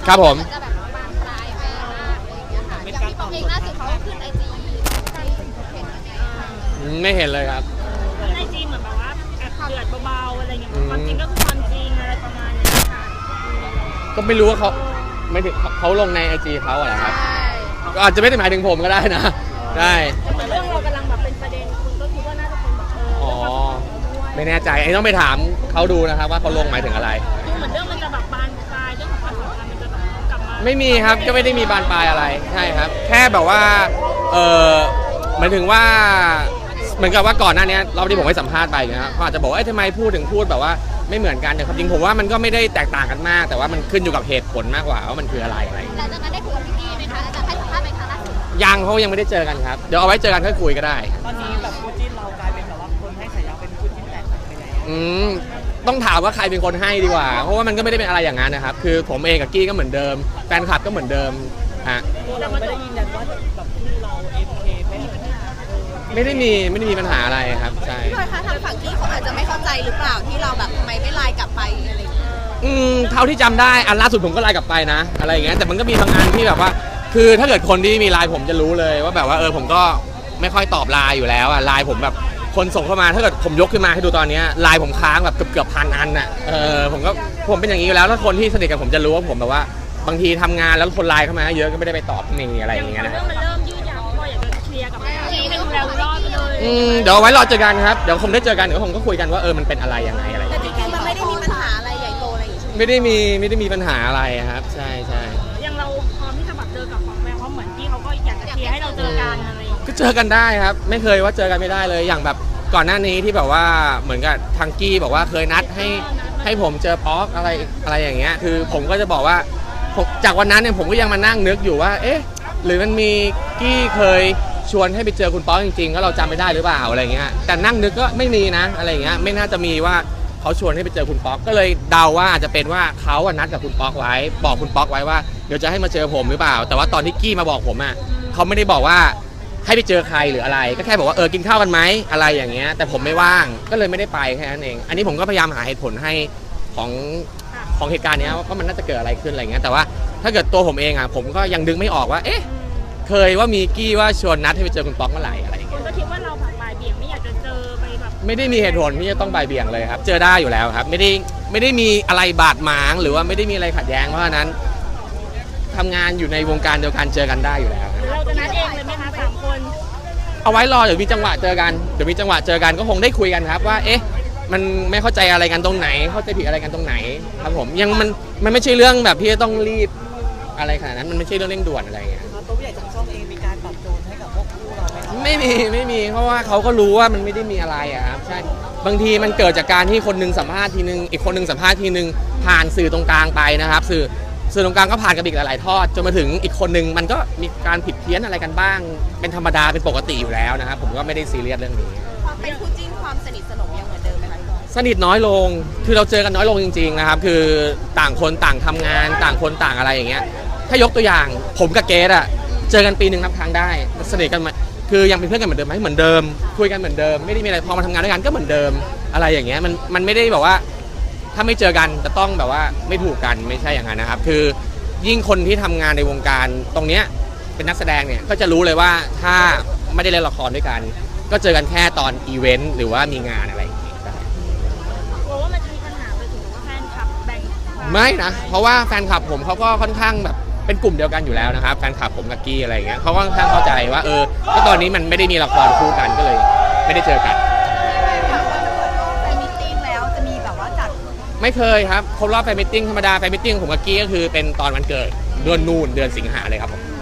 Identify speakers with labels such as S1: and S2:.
S1: ครับผม
S2: จะแบบบานปลายไปมากอะไรอย่างเงี้ยค่ะอย่างพี่ปองเองล่าสุดเขาขึ้นไอจีใครเห็นยังไงคะ
S1: ไม่เห็นเลยครับ
S3: ไอจีเหมือนแบบว่าแอบเดือดเบาๆอะไรอย่างเงี้ยความจริงก็คือความจริงอะไรประมาณนี้ค่ะ
S1: ก็ไม่รู้ว่าเขาไม่ถึงเขาลงในไอจีเขาอะไรครับ
S2: ใช่
S1: ก็อาจจะไม่ได้หมายถึงผมก็ได้นะได้
S3: แต่เรื่องเรากำลังแบบเป็นประเด็นคุณก็คิดว่าน่าจะเป็นแบบ
S1: อ๋อ ไม่แน่ใจไอ้ต้องไปถามเขาดูนะครับว่าเขาลงหมายถึงอะไร
S3: ดูเหมือนเรื่องมันจะแบบบานปลายเรื่องของความสัมพันธ์มันจะแบบกลับมา
S1: ไม่มีครับก็ไม่ได้มีบานปลายอะไรใช่ครับ แค่แบบว่าหมายถึงว่าเหมือนกับว่าก่อนหน้านี้รอบที่ผมให้สัมภาษณ์ไปนะครับเขาอาจจะบอกว่าทำไมพูดแบบว่าไม่เหมือนกันแต่ความจริงผมว่ามันก็ไม่ได้แตกต่างกันมาก แต่ว่ามันขึ้นอยู่กับเหตุผลมากกว่าว่ามันคืออะไร
S2: หลังจากนั้นได้คุยกับพี่กี้ไหมคะจะให้สัมภาษณ์ไปครั้งล่าสุด
S1: ยังเขายังไม่ได้เจอกันครับเดี๋ยวเอาไว้เจอกันค่อยคุยก็ได้
S4: ตอนนี้แบบคู่จิ้นเรากลายเป็นแบบว่าคนให้ฉายาเป็นคู่จิ้นแตกไปแล้ว
S1: ต้องถามว่าใครเป็นคนให้ดีกว่าเพราะว่ามันก็ไม่ได้เป็นอะไรอย่างนั้นนะครับคือผมเองกับกี้ก็เหมือนเดิมแฟนคลับก็เหมือนเดิมฮะ
S4: เราไม่ได้ยืนยันว่าแบบที่เรา MK ไม่มีปัญหา
S1: ไม่ได้มีปัญหาอะไรครับใช่
S2: พี่บอยคะทางฝั่งกี้เขาอาจจะไม่เข้าใจหรือเปล่าที่เราแบบทำไมไม่ไลน์กลับไปอะไรอย่างเงี้ย
S1: เท่าที่จำได้อันล่าสุดผมก็ไลน์กลับไปนะอะไรอย่างเงี้ยแต่มันก็มีบางอันที่แบบว่าคือถ้าเกิดคนที่มีไลน์ผมจะรู้เลยว่าแบบว่าผมก็ไม่ค่อยตอบไลน์อยู่แล้วไลน์ผมแบบคนส่งเข้ามาถ้าเกิดผมยกขึ้นมาให้ดูตอนนี้ไลน์ผมค้างแบบเกือบพันอันน่ะผมเป็นอย่างนี้อยู่แล้วแล้วคนที่สนิทกับผมจะรู้ว่าผมแบบว่าบางทีทำงานแล้วคนไลน์เข้ามาเยอะก็ไม่ได้ไปตอบนี่อะไรอย่างเงี้ยนะ
S3: เรื่องมันเริ่มยืดยาวพี่บอยอยากจะเคลียร์กับทีนึงแล้วรอดไปเลย
S1: เดี๋ยวไว้รอเจอกันครับเดี๋ยวคงได้เจอกันเดี๋ยวผมก็คุยกันว่ามันเป็นอะไรยังไงอะไร
S2: แต่จริงๆมันไม่ได้มีปัญหาอะไรใหญ่โตอะไรอย่างเงี้ย
S1: ไม่ได้มีปัญหาอะไรครับใช่
S3: ยังเราพร้อมที่จะแบบเจอกับของแมวเพราะเหมือนที่เขาก็อยากจะเคลียร์ให้เราเจอกันอะไรอย่างเงี้ย
S1: ก็เจอกันได้ครับไม่เคยว่าเจอกันไม่ได้เลยอย่างแบบก่อนหน้านี้ที่แบบว่าเหมือนกับทางกี้บอกว่าเคยนัดให้ผมเจอป๊อกอะไรอย่างเงี้ยคือผมก็จะบอกว่าจากวันนั้นเนี่ยผมก็ยังมานั่งนึกอยู่ว่าหรือมันมีกี้เคยชวนให้ไปเจอคุณป๊อกจริงๆแล้วเราจำไม่ได้หรือเปล่าอะไรเงี้ยแต่นั่งนึกก็ไม่มีนะอะไรเงี้ยไม่น่าจะมีว่าเขาชวนให้ไปเจอคุณป๊อกก็เลยเดาว่าอาจจะเป็นว่าเขานัดกับคุณป๊อกไว้บอกคุณป๊อกไว้ว่าเดี๋ยวจะให้มาเจอผมหรือเปล่าแต่ว่าตอนที่กี้มาบอกผมเขาไม่ได้บอกว่าให้ไปเจอใครหรืออะไรก็แค่บอกว่ากินข้าวกันไหมอะไรอย่างเงี้ยแต่ผมไม่ว่างก็เลยไม่ได้ไปแค่นั้นเองอันนี้ผมก็พยายามหาเหตุผลให้ของเหตุการณ์นี้ว่ามันน่าจะเกิดอะไรขึ้นอะไรเงี้ยแต่ว่าถ้าเกิดตัวผมเองผมก็ยังดึงไม่ออกว่าเคยว่ามีกี้ว่าชวนนัดให้ไปเจอคุณป๊อกเมื่อไหร่อะไรอย่างเงี้ย
S3: ก็คิดว่าเราแบบบ่ายเบี่ยงไม่อยากจะเจอไปแบบ
S1: ไม่ได้มีเหตุผลที่จะต้องบ่ายเบี่ยงเลยครับเจอได้อยู่แล้วครับไม่ได้มีอะไรบาดหมางหรือว่าไม่ได้มีอะไรขัดแย้งเพราะฉะนั้นทำงานอยู่ในวงการเดียวกันเจอกันได้อยู่แล้ว
S3: เราจะนัดเองเลยไหมคะ3 คน
S1: เอาไว้รอเดี๋ยวมีจังหวะเจอกันก็คงได้คุยกันครับว่ามันไม่เข้าใจอะไรกันตรงไหนเข้าใจผิดอะไรกันตรงไหนครับผมยังมันไม่ใช่เรื่องแบบที่จะต้องรีบอะไรขนาดนั้นมันไม่ใช่เรื่องเร่งด่วนอะไรอย่างเงี้ย
S4: ตัวผู้ใหญ่ทางช่องเองมีการปรับโจรให้กับพวกคู่เราไหมครับ
S1: ไม่มีเพราะว่าเขาก็รู้ว่ามันไม่ได้มีอะไรครับใช่บางทีมันเกิดจากการที่คนนึงสัมภาษณ์ทีนึงอีกคนนึงสัมภาษณ์ทีนึงผ่านสื่อตรงกลางไปนะครับสื่อตรงกลางก็ผ่านกับอีกหลายๆทอดจนมาถึงอีกคนนึงมันก็มีการผิดเพี้ยนอะไรกันบ้างเป็นธรรมดาเป็นปกติอยู่แล้วนะครับผมก็ไม่ได้ซีเรียสเรื่องนี้
S2: ความเป็นคู่จิ้นความสนิทสนมยังเหมือนเดิมไหมคะพี่บอย
S1: สนิทน้อยลงคือเราเจอกันน้อยลงจริงๆนะครับคือต่างคนต่างทำงานต่างคนต่างอะไรอย่างเงี้ยถ้ายกตัวอย่างผมกับเกสเจอกันปีนึงนับครั้งได้สนิทกันมาคือยังเป็นเพื่อนกันเหมือนเดิมไหมเหมือนเดิมคุยกันเหมือนเดิมไม่ได้มีอะไรพอมาทำงานด้วยกันก็เหมือนเดิมอะไรอย่างเงี้ยมันไม่ได้แบบว่าถ้าไม่เจอกันจะต้องแบบว่าไม่ถูกกันไม่ใช่อย่างนั้นนะครับคือยิ่งคนที่ทำงานในวงการตรงเนี้ยเป็นนักแสดงเนี่ยก็จะรู้เลยว่าถ้าไม่ได้เล่นละครด้วยกันก็เจอกันแค่ตอนอีเวนต์หรือว่ามีงานอะไรอย่างเงี้ย
S3: กลัวว่ามันจะมีปัญหาไปถึงว่าแฟนคลับแบ่ง
S1: ไม่นะเพราะว่าแฟนคลับผมเขาก็ค่อนข้างแบบเป็นกลุ่มเดียวกันอยู่แล้วนะครับแฟนคลับผมกับกี้อะไรอย่างเงี้ยเขาก็ค่อนข้างเข้าใจว่าก็ตอนนี้มันไม่ได้มีละครคู่กันก็เลยไม่ได้เจอกัน
S2: ไปมีตติ้งแล้วจะมีแบบว่าจัด
S1: ไม่เคยครับครบรอบแฟนมิทติ้งธรรมดาแฟนมิทติ้งผมกับกี้ก็คือเป็นตอนวันเกิดเดือนสิงหาเลยครับผม